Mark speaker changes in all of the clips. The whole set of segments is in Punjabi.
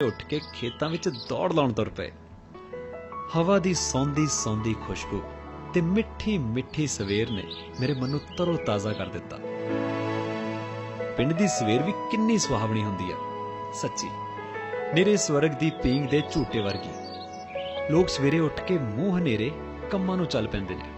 Speaker 1: ਉੱਠ ਕੇ ਖੇਤਾਂ ਵਿੱਚ ਦੌੜ ਲਾਉਣ ਤੁਰ ਪਏ। ਹਵਾ ਦੀ ਸੌਂਦੀ ਸੌਂਦੀ ਖੁਸ਼ਬੂ ਤੇ ਮਿੱਠੀ ਮਿੱਠੀ ਸਵੇਰ ਨੇ ਮੇਰੇ ਮਨ ਨੂੰ ਤਰੋ ਤਾਜ਼ਾ ਕਰ ਦਿੱਤਾ। ਪਿੰਡ ਦੀ ਸਵੇਰ ਵੀ ਕਿੰਨੀ ਸੁਹਾਵਣੀ ਹੁੰਦੀ ਆ, ਸੱਚੀ ਨਿਰੇ ਸਵਰਗ ਦੀ ਪੀਂਘ ਦੇ ਝੂਟੇ ਵਰਗੀ। ਲੋਕ ਸਵੇਰੇ ਉੱਠ ਕੇ ਮੂੰਹ ਹਨੇਰੇ ਕੰਮਾਂ ਨੂੰ ਚੱਲ ਪੈਂਦੇ ਨੇ।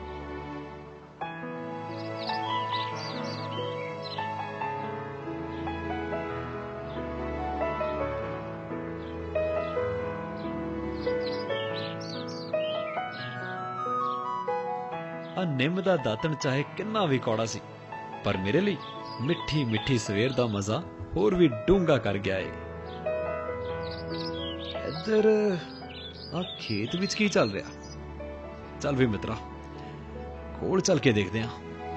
Speaker 1: ਆ ਨਿੰਮ ਦਾ ਦਾਤਣ ਚਾਹੇ ਕਿੰਨਾ ਵੀ ਕੌੜਾ ਸੀ, ਪਰ ਮੇਰੇ ਲਈ ਮਿੱਠੀ ਮਿੱਠੀ ਸਵੇਰ ਦਾ ਮਜ਼ਾ ਹੋਰ ਵੀ ਡੂੰਘਾ ਕਰ ਗਿਆ ਏ। ਇੱਧਰ ਆ ਖੇਤ ਵਿੱਚ ਕੀ ਚੱਲ ਰਿਹਾ? ਚੱਲ ਵੀ ਮਿੱਤਰਾ, ਕੋਲ ਚੱਲ ਕੇ ਦੇਖਦੇ ਆਂ।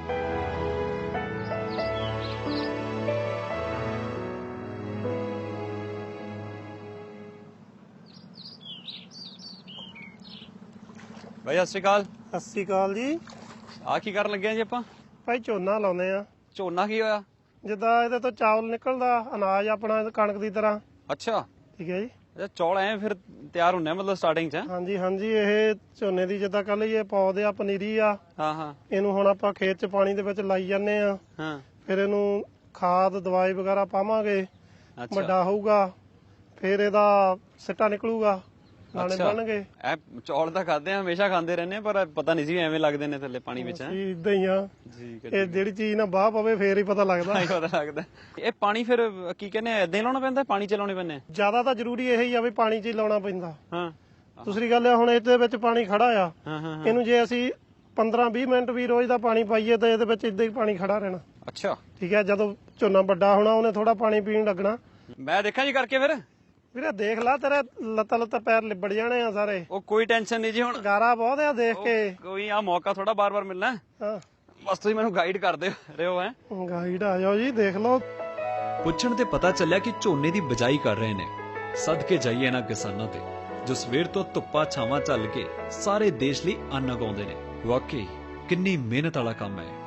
Speaker 2: ਭਾਈ ਸਤਿ ਸ਼੍ਰੀ ਅਕਾਲ।
Speaker 3: ਸਤਿ ਸ਼੍ਰੀ ਅਕਾਲ ਜੀ।
Speaker 2: ਆ ਕੀ ਕਰਨ ਲੱਗੇ ਆ ਜੀ ਆਪਾਂ?
Speaker 3: ਭਾਈ ਝੋਨਾ ਲਾਉਂਦੇ ਆ।
Speaker 2: ਝੋਨਾ ਕੀ ਹੋਇਆ?
Speaker 3: ਜਿੱਦਾਂ ਇਹਦੇ ਤੋਂ ਚਾਵਲ ਨਿਕਲਦਾ, ਅਨਾਜ ਆਪਣਾ ਕਣਕ ਦੀ ਤਰ੍ਹਾਂ।
Speaker 2: ਅੱਛਾ
Speaker 3: ਠੀਕ ਹੈ ਜੀ।
Speaker 2: ਅੱਛਾ, ਚੌਲ ਐ ਫਿਰ ਤਿਆਰ ਹੁੰਨੇ ਆ ਮਤਲਬ ਸਟਾਰਟਿੰਗ ਚ?
Speaker 3: ਹਾਂਜੀ ਹਾਂਜੀ, ਇਹ ਝੋਨੇ ਦੀ ਜਿੱਦਾਂ ਕੱਲ ਇਹ ਪੌਦੇ ਆ, ਪਨੀਰੀ ਆ।
Speaker 2: ਹਾਂ ਹਾਂ।
Speaker 3: ਇਹਨੂੰ ਹੁਣ ਆਪਾਂ ਖੇਤ 'ਚ ਪਾਣੀ ਦੇ ਵਿੱਚ ਲਾਈ ਜਾਂਦੇ ਆ।
Speaker 2: ਹਾਂ,
Speaker 3: ਫਿਰ ਇਹਨੂੰ ਖਾਦ ਦਵਾਈ ਵਗੈਰਾ ਪਾਵਾਂਗੇ,
Speaker 2: ਅੱਛਾ
Speaker 3: ਵੱਡਾ ਹੋਊਗਾ, ਫਿਰ ਇਹਦਾ ਸਿੱਟਾ ਨਿਕਲੂਗਾ, ਦਾਣੇ ਬਣਨਗੇ।
Speaker 2: ਐ ਚੌਲ ਤਾਂ ਖਾਦੇ ਆ, ਹਮੇਸ਼ਾ ਖਾਂਦੇ ਰਹਿੰਦੇ ਆ, ਪਰ ਪਤਾ ਨਹੀਂ ਸੀ ਐਵੇਂ ਲੱਗਦੇ ਨੇ ਥੱਲੇ ਪਾਣੀ ਵਿੱਚ।
Speaker 3: ਜੀ ਇਦਾਂ ਹੀ ਆ।
Speaker 2: ਠੀਕ ਹੈ,
Speaker 3: ਇਹ ਜਿਹੜੀ ਚੀਜ਼ ਨਾ ਬਾਹ ਪਵੇ ਫੇਰ ਹੀ ਪਤਾ ਲੱਗਦਾ।
Speaker 2: ਪਤਾ ਲੱਗਦਾ। ਇਹ ਪਾਣੀ ਫਿਰ ਕੀ ਕਹਿੰਦੇ ਆ, ਏਦਾਂ ਹੀ ਲਾਉਣਾ ਪੈਂਦਾ, ਪਾਣੀ ਚ ਲਾਉਣੇ ਪੈਂਦੇ?
Speaker 3: ਜ਼ਿਆਦਾ ਤਾਂ ਜ਼ਰੂਰੀ ਇਹ ਹੀ ਆ ਵੀ ਪਾਣੀ 'ਚ ਹੀ ਲਾਉਣਾ ਪੈਂਦਾ।
Speaker 2: ਹਾਂ।
Speaker 3: ਦੂਸਰੀ ਗੱਲ ਆ, ਹੁਣ ਇਹਦੇ ਵਿੱਚ ਪਾਣੀ ਖੜਾ ਆ।
Speaker 2: ਹਾਂ ਹਾਂ।
Speaker 3: ਇਹਨੂੰ ਜੇ ਅਸੀਂ 15-20 ਮਿੰਟ ਵੀ ਰੋਜ਼ ਦਾ ਪਾਣੀ ਪਾਈਏ ਤਾਂ ਇਹਦੇ ਵਿੱਚ ਇਦਾਂ ਹੀ ਪਾਣੀ ਖੜਾ ਰਹਿਣਾ।
Speaker 2: ਅੱਛਾ
Speaker 3: ਠੀਕ ਹੈ, ਜਦੋਂ ਝੋਨਾ ਵੱਡਾ ਹੋਣਾ ਉਹਨੇ ਥੋੜਾ ਪਾਣੀ ਪੀਣ ਲੱਗਣਾ।
Speaker 2: ਮੈਂ ਦੇਖਾਂ ਜੀ ਕਰਕੇ ਫਿਰ।
Speaker 3: ਵੀਰੇ ਦੇਖ ਲਾ, ਤੇਰੇ ਲੱਤਾਂ ਪੈਰ ਲਿਬੜ ਜਾਣੇ ਆ ਸਾਰੇ।
Speaker 2: ਉਹ ਕੋਈ ਟੈਨਸ਼ਨ ਨਹੀਂ ਜੀ, ਹੁਣ
Speaker 3: ਗਾਰਾ ਬਹੁਤ ਆ ਦੇਖ ਕੇ।
Speaker 2: ਕੋਈ ਆ ਮੌਕਾ ਥੋੜਾ ਬਾਰ-ਬਾਰ ਮਿਲਣਾ।
Speaker 3: ਹਾਂ,
Speaker 2: ਬਸ ਤੁਸੀਂ ਮੈਨੂੰ ਗਾਈਡ ਕਰਦੇ ਰਹੋ। ਹੈ
Speaker 3: ਗਾਈਡ ਆ ਜਾਓ ਜੀ, ਦੇਖ ਲਓ।
Speaker 1: ਪੁੱਛਣ ਤੇ ਪਤਾ ਚੱਲਿਆ ਕਿ ਝੋਨੇ ਦੀ ਬਿਜਾਈ ਕਰ ਰਹੇ ਨੇ। ਸਦਕੇ ਜਾਈਏ ਇਹਨਾਂ ਕਿਸਾਨਾਂ ਤੇ ਜੋ ਸਵੇਰ ਤੋਂ ਧੁੱਪਾਂ ਛਾਵਾਂ ਝੱਲ ਕੇ ਸਾਰੇ ਦੇਸ਼ ਲਈ ਅੰਨ ਉਗਾਉਂਦੇ ਨੇ। ਵਾਕਈ ਕਿੰਨੀ ਮਿਹਨਤ ਵਾਲਾ ਕੰਮ ਹੈ।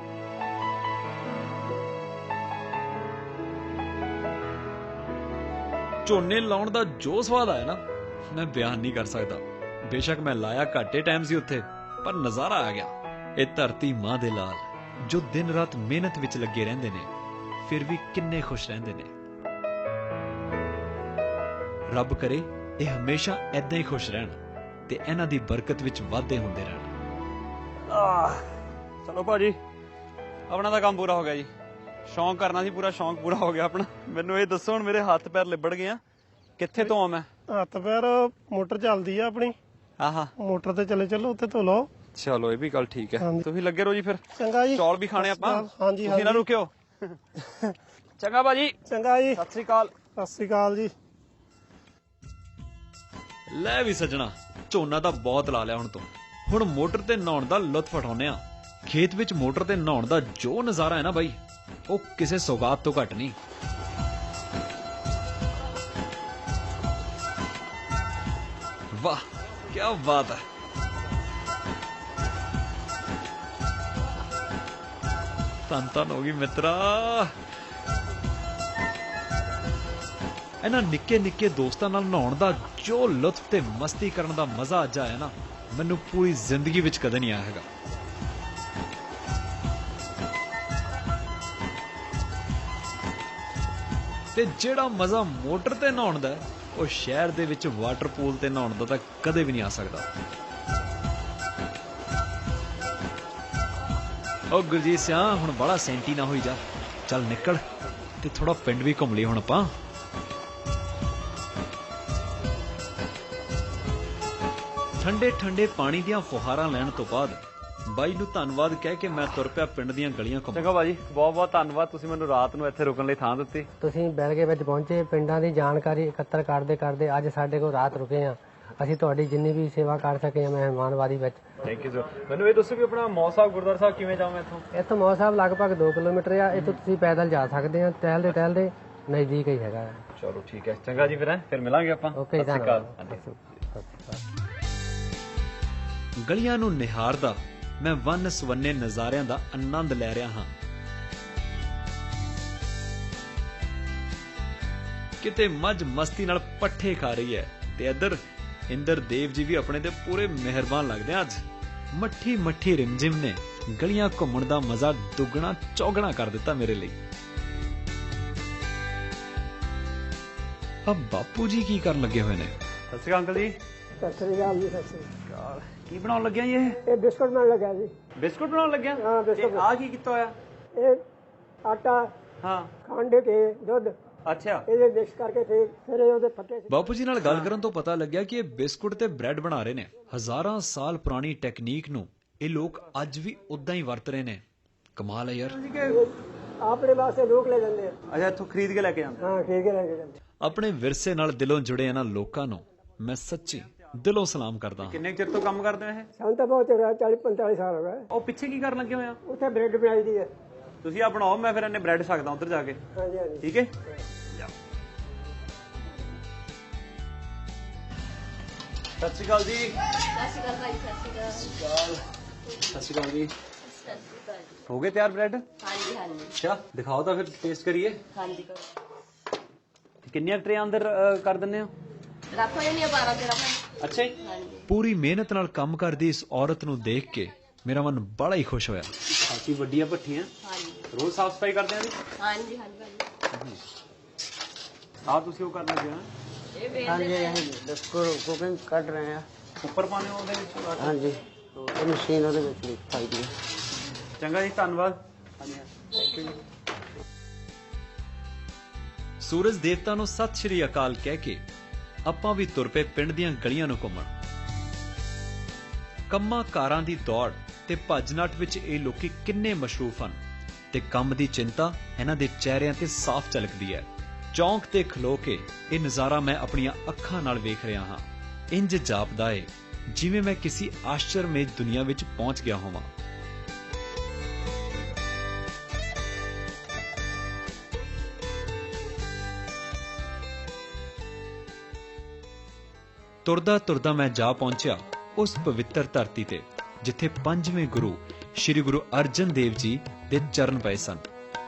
Speaker 1: ਝੋਨੇ ਲਾਉਣ ਦਾ ਜੋ ਸਵਾਦ ਆਇਆ ਨਾ, ਮੈਂ ਬਿਆਨ ਨਹੀਂ ਕਰ ਸਕਦਾ। ਬੇਸ਼ੱਕ ਮੈਂ ਲਾਇਆ ਘੱਟੇ ਟਾਈਮ ਸੀ ਉੱਥੇ, ਪਰ ਨਜ਼ਾਰਾ ਆ ਗਿਆ। ਇਹ ਧਰਤੀ ਮਾਂ ਦੇ ਲਾਲ ਜੋ ਦਿਨ ਰਾਤ ਮਿਹਨਤ ਵਿੱਚ ਲੱਗੇ ਰਹਿੰਦੇ ਨੇ, ਫਿਰ ਵੀ ਕਿੰਨੇ ਖੁਸ਼ ਰਹਿੰਦੇ ਨੇ। ਰੱਬ ਕਰੇ ਇਹ ਹਮੇਸ਼ਾ ਏਦਾਂ ਹੀ ਖੁਸ਼ ਰਹਿਣ ਤੇ ਇਹਨਾਂ ਦੀ ਬਰਕਤ ਵਿੱਚ ਵਾਧੇ ਹੁੰਦੇ ਰਹਿਣ।
Speaker 2: ਚਲੋ ਭਾਜੀ, ਆਪਣਾ ਤਾਂ ਕੰਮ ਪੂਰਾ ਹੋ ਗਿਆ ਜੀ। ਸ਼ੌਂਕ ਕਰਨਾ ਸੀ ਪੂਰਾ, ਸ਼ੌਂਕ ਪੂਰਾ ਹੋ ਗਿਆ ਆਪਣਾ। ਮੈਨੂੰ ਇਹ ਦੱਸੋ, ਹੁਣ ਮੇਰੇ ਹੱਥ ਪੈਰ ਲਿਬੜ ਗਏ ਆ, ਕਿੱਥੇ ਧੋਵਾਂ ਮੈਂ?
Speaker 3: ਹੱਥ ਪੈਰ ਮੋਟਰ ਚੱਲਦੀ ਆ ਆਪਣੀ।
Speaker 2: ਆਹਾ,
Speaker 3: ਮੋਟਰ ਤੇ ਚੱਲੋ, ਉੱਥੇ ਧੋ ਲਓ।
Speaker 2: ਚਲੋ ਇਹ ਵੀ ਗੱਲ ਠੀਕ ਹੈ। ਤੁਸੀਂ ਲੱਗੇ ਰਹੋ ਜੀ ਫਿਰ।
Speaker 3: ਚੰਗਾ ਜੀ।
Speaker 2: ਚੌਲ ਵੀ ਖਾਣੇ ਆਪਾਂ।
Speaker 3: ਹਾਂਜੀ
Speaker 2: ਤੁਸੀਂ ਨਾ ਰੁਕਿਓ। ਚੰਗਾ ਭਾਜੀ,
Speaker 3: ਚੰਗਾ ਜੀ।
Speaker 2: ਸਤਿ ਸ੍ਰੀ ਅਕਾਲ।
Speaker 3: ਸਤਿ ਸ੍ਰੀ ਅਕਾਲ ਜੀ।
Speaker 1: ਲੈ ਵੀ ਸੱਜਣਾ, ਝੋਨਾ ਤਾਂ ਬਹੁਤ ਲਾ ਲਿਆ ਹੁਣ ਤੋਂ। ਹੁਣ ਮੋਟਰ ਤੇ ਨਹਾਉਣ ਦਾ ਲੁਤਫ ਉਠਾਉਂਦੇ ਆ। ਖੇਤ ਵਿੱਚ ਮੋਟਰ ਤੇ ਨਹਾਉਣ ਦਾ ਜੋ ਨਜ਼ਾਰਾ ਹੈ ਨਾ ਬਾਈ, ਉਹ ਕਿਸੇ ਸੌਗਾਤ ਤੋਂ ਘੱਟ ਨਹੀਂ। ਵਾਹ ਕੀ ਬਾਤ ਹੈ। ਧੰਨ ਹੋ ਗਈ ਮਿੱਤਰਾ। ਇਹਨਾਂ ਨਿੱਕੇ ਨਿੱਕੇ ਦੋਸਤਾਂ ਨਾਲ ਨਹਾਉਣ ਦਾ ਜੋ ਲੁਤਫ ਤੇ ਮਸਤੀ ਕਰਨ ਦਾ ਮਜ਼ਾ ਅੱਜ ਆਇਆ ਨਾ, ਮੈਨੂੰ ਪੂਰੀ ਜ਼ਿੰਦਗੀ ਵਿੱਚ ਕਦੇ ਨਹੀਂ ਆਇਆ ਹੈਗਾ। ਤੇ ਜਿਹੜਾ ਮਜ਼ਾ ਮੋਟਰ ਤੇ ਨਹਾਉਣ ਦਾ, ਉਹ ਸ਼ਹਿਰ ਦੇ ਵਿੱਚ ਵਾਟਰ ਪੂਲ ਤੇ ਨਹਾਉਣ ਦਾ ਤਾਂ ਕਦੇ ਵੀ ਨਹੀਂ ਆ ਸਕਦਾ। ਉਹ ਗੁਰਜੀਤ ਸਿਆ, ਹੁਣ ਬੜਾ ਸੈਂਟੀ ਨਾ ਹੋਈ ਜਾ। ਚੱਲ ਨਿਕਲ ਤੇ ਥੋੜਾ ਪਿੰਡ ਵੀ ਘੁੰਮ ਲਈ ਹੁਣ ਆਪਾਂ। ਠੰਡੇ ਠੰਡੇ ਪਾਣੀ ਦੀਆਂ ਫੁਹਾਰਾਂ ਲੈਣ ਤੋਂ ਬਾਅਦ ਬਾਈ ਨੂੰ ਧੰਨਵਾਦ ਕਹਿ ਕੇ ਮੈਂ ਤੁਰ ਪਿਆ ਪਿੰਡ ਦੀਆਂ ਗਲੀਆਂ ਘੁੰਮਣ।
Speaker 2: ਚੰਗਾ ਭਾਜੀ, ਬਹੁਤ ਬਹੁਤ ਧੰਨਵਾਦ। ਤੁਸੀਂ ਮੈਨੂੰ ਰਾਤ ਨੂੰ ਇੱਥੇ ਰੁਕਣ ਲਈ ਥਾਂ ਦਿੱਤੀ।
Speaker 4: ਤੁਸੀਂ ਬੈਲਗੇ ਵਿੱਚ ਪਹੁੰਚੇ, ਪਿੰਡਾਂ ਦੀ ਜਾਣਕਾਰੀ ਇਕੱਤਰ ਕਰਦੇ ਕਰਦੇ ਅੱਜ ਸਾਡੇ ਕੋਲ ਰਾਤ ਰੁਕੇ ਆ। ਅਸੀਂ ਤੁਹਾਡੀ ਜਿੰਨੀ ਵੀ ਸੇਵਾ ਕਰ ਸਕੇ ਆ ਮਹਿਮਾਨਵਾਦੀ ਵਿੱਚ।
Speaker 2: Thank you sir. ਮੈਨੂੰ ਇਹ ਦੱਸੋ ਵੀ ਆਪਣਾ ਮੌਸਾ ਸਾਹਿਬ ਗੁਰਦੁਆਰਾ ਸਾਹਿਬ ਕਿਵੇਂ ਜਾਵਾਂ ਇੱਥੋਂ?
Speaker 4: ਇੱਥੋਂ ਮੌਸਾ ਸਾਹਿਬ ਲਗਭਗ 2 ਕਿਲੋਮੀਟਰ ਆ। ਇੱਥੋਂ ਤੁਸੀਂ ਪੈਦਲ ਜਾ ਸਕਦੇ ਆ, ਟਹਿਲਦੇ ਟਹਿਲਦੇ ਨਜ਼ਦੀਕ ਹੀ ਹੈਗਾ।
Speaker 2: ਚਲੋ ਠੀਕ ਹੈ, ਚੰਗਾ ਜੀ, ਫਿਰ ਮਿਲਾਂਗੇ ਆਪਾਂ।
Speaker 4: ਓਕੇ,
Speaker 2: ਸਤਿ ਸ਼੍ਰੀ ਅਕਾਲ।
Speaker 1: ਗਲੀਆਂ ਨੂੰ ਨਿਹਾਰਦਾ ਮੈਂ ਵੰਨ ਸਵੰਨੇ ਨਜ਼ਾਰਿਆਂ ਦਾ ਆਨੰਦ ਲੈ ਰਿਹਾ ਹਾਂ। ਕਿਤੇ ਮੱਝ ਮਸਤੀ ਨਾਲ ਪੱਠੇ ਖਾ ਰਹੀ ਹੈ ਤੇ ਇੱਧਰ ਇੰਦਰ ਦੇਵ ਜੀ ਵੀ ਆਪਣੇ ਤੇ ਪੂਰੇ ਮਿਹਰਬਾਨ ਲੱਗਦੇ ਆ ਅੱਜ। ਮੱਠੀ ਮੱਠੀ ਰਿਮਝਿਮ ਨੇ ਗਲੀਆਂ ਘੁੰਮਣ ਦਾ ਮਜ਼ਾ ਦੁੱਗਣਾ ਚੌਗਣਾ ਕਰ ਦਿੱਤਾ ਮੇਰੇ ਲਈ। ਅਬ ਬਾਪੂ ਜੀ ਕੀ ਕਰਨ ਲੱਗੇ ਹੋਏ ਨੇ?
Speaker 2: ਸਤਿ ਸ਼੍ਰੀ ਅਕਾਲ ਅੰਕਲ ਜੀ।
Speaker 3: ਸਤਿ ਸ੍ਰੀ ਅਕਾਲ ਜੀ। ਸਤਿ ਸ੍ਰੀ
Speaker 2: ਅਕਾਲ। ਕੀ ਬਣਾਉਣ ਲੱਗਿਆ ਜੀ ਇਹ?
Speaker 3: ਇਹ ਬਿਸਕੁਟ ਬਣਾਉਣ ਲੱਗਾ ਜੀ।
Speaker 2: ਬਿਸਕੁਟ ਬਣਾਉਣ ਲੱਗਿਆ?
Speaker 3: ਹਾਂ, ਬਿਸਕੁਟ।
Speaker 2: ਆ ਕੀ ਕੀਤਾ ਹੋਇਆ?
Speaker 3: ਇਹ ਆਟਾ,
Speaker 2: ਹਾਂ,
Speaker 3: ਖੰਡ ਤੇ ਦੁੱਧ
Speaker 2: ਅੱਛਾ।
Speaker 3: ਇਹਦੇ ਮਿਕਸ ਕਰਕੇ ਫਿਰ ਇਹ ਉਹਦੇ ਫੱਟੇ
Speaker 1: ਬਾਪੂ ਜੀ ਨਾਲ ਗੱਲ ਕਰਨ ਤੋਂ ਪਤਾ ਲੱਗਿਆ ਕਿ ਇਹ ਬਿਸਕੁਟ ਤੇ ਬ੍ਰੈਡ ਬਣਾ ਰਹੇ ਨੇ। ਹਜ਼ਾਰਾਂ ਸਾਲ ਪੁਰਾਣੀ ਟੈਕਨੀਕ ਨੂੰ ਇਹ ਲੋਕ ਅੱਜ ਵੀ ਉਦਾਂ ਹੀ ਵਰਤ ਰਹੇ ਨੇ। ਕਮਾਲ ਹੈ ਯਾਰ।
Speaker 3: ਆਪਣੇ ਵਾਸਤੇ ਲੋਕ ਲੈ ਜਾਂਦੇ ਆ।
Speaker 2: ਅੱਛਾ, ਇੱਥੋਂ ਖਰੀਦ ਕੇ ਲੈ ਕੇ ਜਾਂਦੇ?
Speaker 3: ਹਾਂ, ਠੀਕ ਹੈ, ਲੈ ਕੇ ਜਾਂਦੇ।
Speaker 1: ਆਪਣੇ ਵਿਰਸੇ ਨਾਲ ਦਿਲੋਂ ਜੁੜੇ ਇਹਨਾਂ ਲੋਕਾਂ ਨੂੰ ਮੈਂ ਸੱਚੀ ਦਿਲੋਂ ਸਲਾਮ ਕਰਦਾ ਹਾਂ।
Speaker 2: ਕਿੰਨੇ ਚਿਰ ਤੋਂ ਕੰਮ ਕਰਦੇ ਹੋ ਇਹ?
Speaker 3: ਸਾਨੂੰ ਤਾਂ ਬਹੁਤ 40-45 ਸਾਲ ਹੋ ਗਏ।
Speaker 2: ਉਹ ਪਿੱਛੇ ਕੀ ਕਰਨ ਲੱਗੇ ਹੋਏ ਆ?
Speaker 3: ਉੱਥੇ ਬ੍ਰੈਡ ਬਣਾਈ ਦੀ ਹੈ।
Speaker 2: ਤੁਸੀਂ ਆ ਬਣਾਓ, ਮੈਂ ਫਿਰ ਇਹਨੇ ਬ੍ਰੈਡ ਸਕਦਾ ਉੱਧਰ ਜਾ ਕੇ।
Speaker 3: ਹਾਂਜੀ ਹਾਂਜੀ,
Speaker 2: ਠੀਕ ਹੈ। ਸਤਿ ਸ਼੍ਰੀ ਅਕਾਲ ਜੀ।
Speaker 5: ਸਤਿ ਸ਼੍ਰੀ ਅਕਾਲ ਭਾਈ। ਸਤਿ ਸ਼੍ਰੀ ਅਕਾਲ।
Speaker 2: ਸਤਿ ਸ਼੍ਰੀ ਅਕਾਲ ਜੀ।
Speaker 5: ਸਤਿ ਸ਼੍ਰੀ ਅਕਾਲ ਜੀ।
Speaker 2: ਹੋ ਗਏ ਤਿਆਰ ਬ੍ਰੈਡ?
Speaker 5: ਹਾਂਜੀ ਹਾਂਜੀ
Speaker 2: ਅੱਛਾ, ਦਿਖਾਓ ਤਾਂ ਫਿਰ ਟੇਸਟ ਕਰੀਏ।
Speaker 5: ਹਾਂਜੀ ਕਰੋ।
Speaker 2: ਕਿੰਨੀਆਂ ਟਰੇਆਂ ਅੰਦਰ ਕਰ ਦਿੰਦੇ ਹੋ?
Speaker 5: ਰੱਖੋ ਜੀ 12 13 ਭਾਈ।
Speaker 2: ਅੱਛਾ ਜੀ।
Speaker 5: ਹਾਂਜੀ
Speaker 1: ਪੂਰੀ ਮਿਹਨਤ ਨਾਲ ਕੰਮ ਕਰਦੀ ਇਸ ਔਰਤ ਨੂੰ ਦੇਖ ਕੇ ਮੇਰਾ ਮਨ ਬੜਾ ਹੀ ਖੁਸ਼ ਹੋਇਆ।
Speaker 2: ਕਾਫੀ ਵੱਡੀਆਂ ਭੱਠੀਆਂ,
Speaker 5: ਹਾਂਜੀ
Speaker 2: ਰੋਜ਼ ਸਾਫ ਸਫਾਈ ਕਰਦੇ ਆਂ ਜੀ?
Speaker 5: ਹਾਂਜੀ ਹਾਂਜੀ ਭਾਈ।
Speaker 2: ਆਹ ਤੁਸੀਂ ਉਹ ਕਰਨ ਲੱਗੇ ਹੋ?
Speaker 5: ਇਹ ਵੇਲ
Speaker 4: ਕੁਕਿੰਗ ਕੱਢ ਰਹੇ ਆ।
Speaker 2: ਉੱਪਰ ਪਾਣੇ ਉਹਦੇ ਵਿੱਚ?
Speaker 4: ਹਾਂਜੀ, ਇਹ ਮਸ਼ੀਨ ਉਹਦੇ ਵਿੱਚ ਪਾਈ ਦੀ ਹੈ।
Speaker 2: ਚੰਗਾ ਜੀ, ਧੰਨਵਾਦ। ਹਾਂਜੀ, ਥੈਂਕ ਯੂ ਜੀ।
Speaker 1: ਸੂਰਜ ਦੇਵਤਾ ਨੂੰ ਸਤਿ ਸ਼੍ਰੀ ਅਕਾਲ ਕਹਿ ਕੇ ਆਪਾਂ ਵੀ ਤੁਰ ਪਏ ਪਿੰਡ ਦੀਆਂ ਗਲੀਆਂ ਨੂੰ ਘੁੰਮਣ। ਕੰਮਾਂ ਕਾਰਾਂ ਦੀ ਦੌੜ ਤੇ ਭੱਜ ਨੱਠ ਵਿੱਚ ਇਹ ਲੋਕੀ ਕਿੰਨੇ ਮਸ਼ਰੂਫ ਹਨ ਤੇ ਕੰਮ ਦੀ ਚਿੰਤਾ ਇਹਨਾਂ ਦੇ ਚਿਹਰਿਆਂ ਤੇ ਸਾਫ਼ ਝਲਕਦੀ ਹੈ। ਚੌਂਕ ਤੇ ਖਲੋ ਕੇ ਇਹ ਨਜ਼ਾਰਾ ਮੈਂ ਆਪਣੀਆਂ ਅੱਖਾਂ ਨਾਲ ਵੇਖ ਰਿਹਾ ਹਾਂ। ਇੰਜ ਜਾਪਦਾ ਏ ਜਿਵੇਂ ਮੈਂ ਕਿਸੇ ਆਸ਼ਚਰਮਈ ਦੁਨੀਆ ਵਿੱਚ ਪਹੁੰਚ ਗਿਆ ਹੋਵਾਂ। ਤੁਰਦਾ ਤੁਰਦਾ ਮੈਂ ਜਾ ਪਹੁੰਚਿਆ ਉਸ ਪਵਿੱਤਰ ਧਰਤੀ ਤੇ ਜਿੱਥੇ ਪੰਜਵੇਂ ਗੁਰੂ ਸ੍ਰੀ ਗੁਰੂ ਅਰਜਨ ਦੇਵ ਜੀ ਦੇ ਚਰਨ ਪਏ ਸਨ।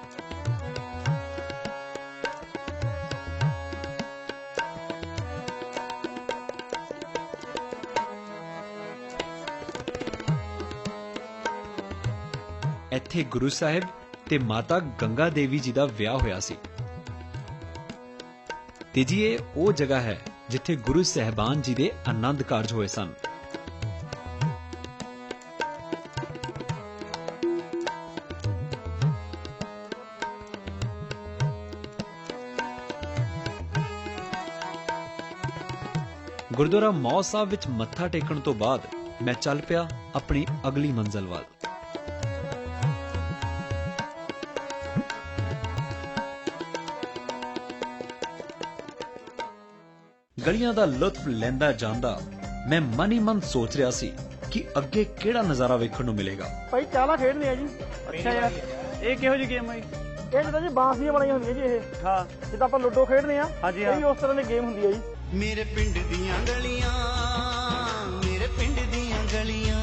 Speaker 1: ਇੱਥੇ ਗੁਰੂ ਸਾਹਿਬ ਤੇ ਮਾਤਾ ਗੰਗਾ ਦੇਵੀ ਜੀ ਦਾ ਵਿਆਹ ਹੋਇਆ ਸੀ ਤੇ ਜੀ ਇਹ ਉਹ ਜਗ੍ਹਾ ਹੈ ਜਿੱਥੇ ਗੁਰੂ ਸਾਹਿਬਾਨ ਜੀ ਦੇ ਆਨੰਦ ਕਾਰਜ ਹੋਏ ਸਨ। ਗੁਰਦੁਆਰਾ ਮੌ ਸਾਹਿਬ ਵਿੱਚ ਮੱਥਾ ਟੇਕਣ ਤੋਂ ਬਾਅਦ ਮੈਂ ਚੱਲ ਪਿਆ ਆਪਣੀ ਅਗਲੀ ਮੰਜ਼ਲ ਵੱਲ। ਗਲੀਆਂ ਦਾ ਲੁਤਫ ਲੈਂਦਾ ਜਾਂਦਾ ਮੈਂ ਮਨ ਹੀ ਮਨ ਸੋਚ ਰਿਹਾ ਸੀ ਕਿ ਅੱਗੇ ਕਿਹੜਾ ਨਜ਼ਾਰਾ ਵੇਖਣ ਨੂੰ ਮਿਲੇਗਾ।
Speaker 3: ਭਾਈ ਚਾਲਾ ਖੇਡਦੇ ਆ ਜੀ।
Speaker 2: ਅੱਛਾ ਯਾਰ, ਇਹ ਕਿਹੋ ਜਿਹੀ ਗੇਮ ਹੈ?
Speaker 3: ਇਹ ਜਿੱਦਾਂ ਜੀ ਬਾਂਸ ਦੀਆਂ ਬਣਾਈਆਂ ਹੁੰਦੀਆਂ ਜੀ। ਇਹ
Speaker 2: ਹਾਂ,
Speaker 3: ਜਿੱਦਾਂ ਆਪਾਂ ਲੁੱਡੋ ਖੇਡਦੇ ਆ,
Speaker 2: ਹਾਂਜੀ,
Speaker 3: ਇਹ ਵੀ ਉਸ ਤਰ੍ਹਾਂ ਦੀ ਗੇਮ ਹੁੰਦੀ ਹੈ ਜੀ।
Speaker 6: ਮੇਰੇ ਪਿੰਡ ਦੀਆਂ ਗਲੀਆਂ, ਮੇਰੇ ਪਿੰਡ ਦੀਆਂ ਗਲੀਆਂ।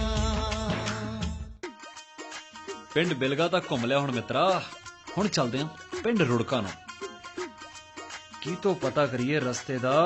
Speaker 1: ਪਿੰਡ ਬਿਲਗਾ ਤਾਂ ਘੁੰਮ ਲਿਆ ਹੁਣ ਮਿੱਤਰਾ, ਹੁਣ ਚੱਲਦੇ ਆਂ ਪਿੰਡ ਰੁੜਕਾ ਨੂੰ। ਕੀ ਤੋਂ ਪਤਾ ਕਰੀਏ ਰਸਤੇ ਦਾ।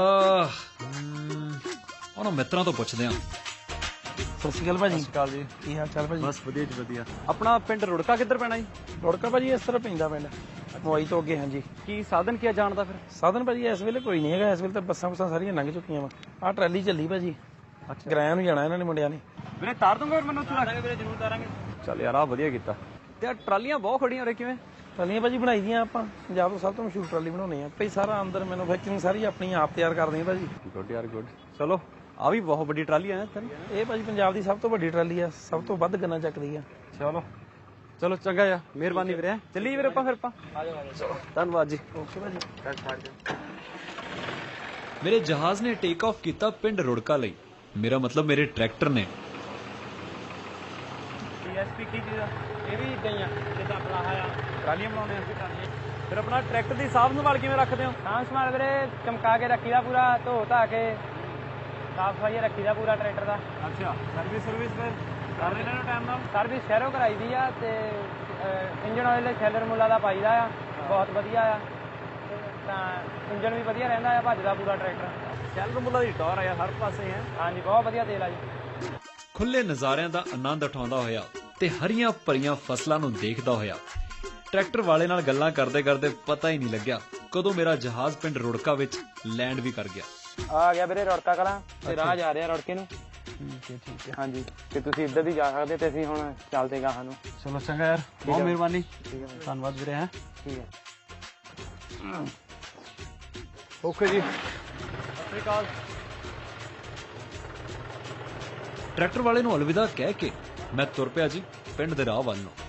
Speaker 1: ਉਹਨਾਂ ਮਿੱਤਰਾਂ ਤੋਂ ਪੁੱਛਦੇ ਆਂ।
Speaker 3: ਸਤਿ ਸ਼੍ਰੀ ਅਕਾਲ ਭਾਜੀ।
Speaker 2: ਸਤਿ ਸ਼੍ਰੀ ਅਕਾਲ ਜੀ।
Speaker 3: ਕੀ ਹਾਲ ਚਾਲ ਭਾਜੀ?
Speaker 2: ਬਸ ਵਧੀਆ ਜੀ ਵਧੀਆ। ਆਪਣਾ ਪਿੰਡ ਰੁੜਕਾ ਕਿੱਧਰ ਪੈਣਾ ਜੀ?
Speaker 3: ਰੁੜਕਾ ਭਾਜੀ ਇਸ ਤਰ੍ਹਾਂ ਪੈਂਦਾ ਪਿੰਡ ਮੋਈ ਤੋਂ ਅੱਗੇ। ਹਾਂਜੀ,
Speaker 2: ਕੀ ਸਾਧਨ ਕੀ ਜਾਣ ਦਾ ਫਿਰ?
Speaker 3: ਸਾਧਨ ਭਾਜੀ ਇਸ ਵੇਲੇ ਕੋਈ ਨਹੀਂ ਹੈਗਾ। ਇਸ ਵੇਲੇ ਤਾਂ ਬੱਸਾਂ ਬੁੱਸਾਂ ਸਾਰੀਆਂ ਲੰਘ ਚੁੱਕੀਆਂ ਵਾ। ਆਹ ਟਰਾਲੀ ਚੱਲੀ ਭਾਜੀ।
Speaker 2: ਅੱਛਾ,
Speaker 3: ਕਿਰਾਇਆ ਨੂੰ ਜਾਣਾ ਇਹਨਾਂ ਨੇ ਮੁੰਡਿਆਂ ਨੇ।
Speaker 2: ਵੀਰੇ ਤਾਰ ਦੂੰਗਾ ਫਿਰ ਮੈਨੂੰ ਉੱਥੇ ਰੱਖ? ਵੀਰੇ ਜ਼ਰੂਰ ਤਾਰਾਂਗੇ। ਚੱਲ ਯਾਰ, ਆ ਵਧੀਆ ਕੀਤਾ। ਤੇ ਆ ਟਰਾਲੀਆਂ ਬਹੁਤ ਖੜੀਆਂ ਉਰੇ, ਕਿਵੇਂ?
Speaker 3: ਟਰਾਲੀਆਂ ਭਾਜੀ ਬਣਾਈ ਦੀਆਂ ਆਪਾਂ, ਪੰਜਾਬ ਤੋਂ ਸਭ ਤੋਂ ਮਸ਼ਹੂਰ ਟਰਾਲੀ ਬਣਾਉਣੀ ਆ ਭਾਈ। ਸਾਰਾ ਅੰਦਰ ਮੈਨੂਫੈਕਚਰਿੰਗ ਸਾਰੀ ਆਪਣੀ ਆਪ ਤਿਆਰ ਕਰਦੇ ਆ ਭਾਜੀ।
Speaker 2: ਗੁੱਡ ਯਾਰ ਗੁੱਡ। ਚਲੋ, ਆ ਵੀ ਬਹੁਤ ਵੱਡੀ ਟਰਾਲੀ ਆ ਇੱਥੇ।
Speaker 3: ਇਹ ਭਾਜੀ ਪੰਜਾਬ ਦੀ ਸਭ ਤੋਂ ਵੱਡੀ ਟਰਾਲੀ ਆ, ਸਭ ਤੋਂ ਵੱਧ ਗੰਨਾ ਚੱਕਦੀ ਆ।
Speaker 2: ਚਲੋ ਚਲੋ, ਚੰਗਾ ਯਾਰ, ਮਿਹਰਬਾਨੀ ਵੀਰੇ। ਚੱਲੀਏ ਵੀਰੇ ਆਪਾਂ ਫਿਰ ਆਪਾਂ। ਚਲੋ, ਧੰਨਵਾਦ ਜੀ।
Speaker 3: ਓਕੇ ਭਾਜੀ।
Speaker 1: ਮੇਰੇ ਜਹਾਜ਼ ਨੇ ਟੇਕ ਆਫ ਕੀਤਾ ਪਿੰਡ ਰੁੜਕਾ ਲਈ। ਮੇਰਾ ਮਤਲਬ ਮੇਰੇ ਟਰੈਕਟਰ ਨੇ।
Speaker 2: ਡੀਐਸਪੀ ਕੀ ਚੀਜ਼ ਆ? ਇਹ ਵੀ ਇਦਾਂ ਹੀ ਆ ਜਿੱਦਾਂ ਆਪਣਾ ਆ ਟਰਾਲੀਆਂ ਬਣਾਉਂਦੇ ਆ। ਫਿਰ ਆਪਣਾ ਟਰੈਕਟਰ ਦੀ ਸਾਂਭ ਸੰਭਾਲ ਕਿਵੇਂ ਰੱਖਦੇ ਹੋ?
Speaker 7: ਸਾਂਭ ਸੰਭਾਲ ਵੀਰੇ ਚਮਕਾ ਕੇ ਰੱਖੀਦਾ, ਪੂਰਾ ਧੋ ਧਾ ਕੇ ਸਾਫ ਸਫਾਈ ਰੱਖੀਦਾ ਪੂਰਾ ਟਰੈਕਟਰ ਦਾ।
Speaker 2: ਅੱਛਾ, ਸਰਵਿਸ ਫਿਰ ਕਰ ਲੈਣਾ ਨੂੰ ਟਾਈਮ ਨਾਲ?
Speaker 7: ਸਰਵਿਸ ਸ਼ਹਿਰੋਂ ਕਰਾਈ ਦੀ ਆ ਤੇ ਇੰਜਨ ਆਇਲ ਸ਼ੈਲਰ ਮੁੱਲਾ ਦਾ ਪਾਈਦਾ ਆ, ਬਹੁਤ ਵਧੀਆ ਆ। ਤਾਂ ਇੰਜਣ ਵੀ ਵਧੀਆ ਰਹਿੰਦਾ ਆ, ਭੱਜਦਾ ਪੂਰਾ ਟਰੈਕਟਰ।
Speaker 2: ਚੱਲ ਮੁੱਲਾ ਦੀ ਟੌਰ ਆ ਯਾਰ, ਹਰ ਪਾਸੇ ਹੈ।
Speaker 7: ਹਾਂਜੀ ਬਹੁਤ ਵਧੀਆ ਤੇਲ ਆ ਜੀ।
Speaker 1: ਖੁੱਲੇ ਨਜ਼ਾਰਿਆਂ ਦਾ ਆਨੰਦ ਉਠਾਉਂਦਾ ਹੋਇਆ ਤੇ ਹਰੀਆਂ ਭਰੀਆਂ ਫਸਲਾਂ ਨੂੰ ਦੇਖਦਾ ਹੋਇਆ ਟਰੈਕਟਰ ਵਾਲੇ ਨਾਲ ਗੱਲਾਂ ਕਰਦੇ ਕਰਦੇ ਪਤਾ ਹੀ ਨਹੀਂ ਲੱਗਿਆ ਕਦੋਂ ਮੇਰਾ ਜਹਾਜ਼ ਪਿੰਡ ਰੁੜਕਾ ਵਿੱਚ ਲੈਂਡ ਵੀ ਕਰ ਗਿਆ।
Speaker 7: ਆ ਗਿਆ ਵੀਰੇ ਰੁੜਕਾ ਕਲਾਂ ਤੇ ਰਾਹ ਜਾ ਰਿਹਾ ਰੁੜਕੇ ਨੂੰ।
Speaker 2: ਠੀਕ ਹੈ।
Speaker 7: ਹਾਂਜੀ ਤੇ ਤੁਸੀਂ ਇੱਧਰ ਦੀ ਜਾ ਸਕਦੇ ਤੇ ਅਸੀਂ ਹੁਣ ਚੱਲਦੇ ਗਾਹਾਂ ਨੂੰ।
Speaker 2: ਚਲੋ ਚੰਗਾ ਯਾਰ, ਬਹੁਤ ਮਿਹਰਬਾਨੀ,
Speaker 7: ਠੀਕ ਹੈ
Speaker 2: ਧੰਨਵਾਦ ਵੀਰੇ। ਹੈ
Speaker 7: ਠੀਕ ਹੈ।
Speaker 2: ਓਕੇ ਜੀ, ਸਤਿ ਸ਼੍ਰੀ ਅਕਾਲ।
Speaker 1: ਟਰੈਕਟਰ ਵਾਲੇ ਨੂੰ ਅਲਵਿਦਾ ਕਹਿ ਕੇ ਮੈਂ ਤੁਰ ਪਿਆ ਜੀ ਪਿੰਡ ਦੇ ਰਾਹ ਵੱਲ ਨੂੰ।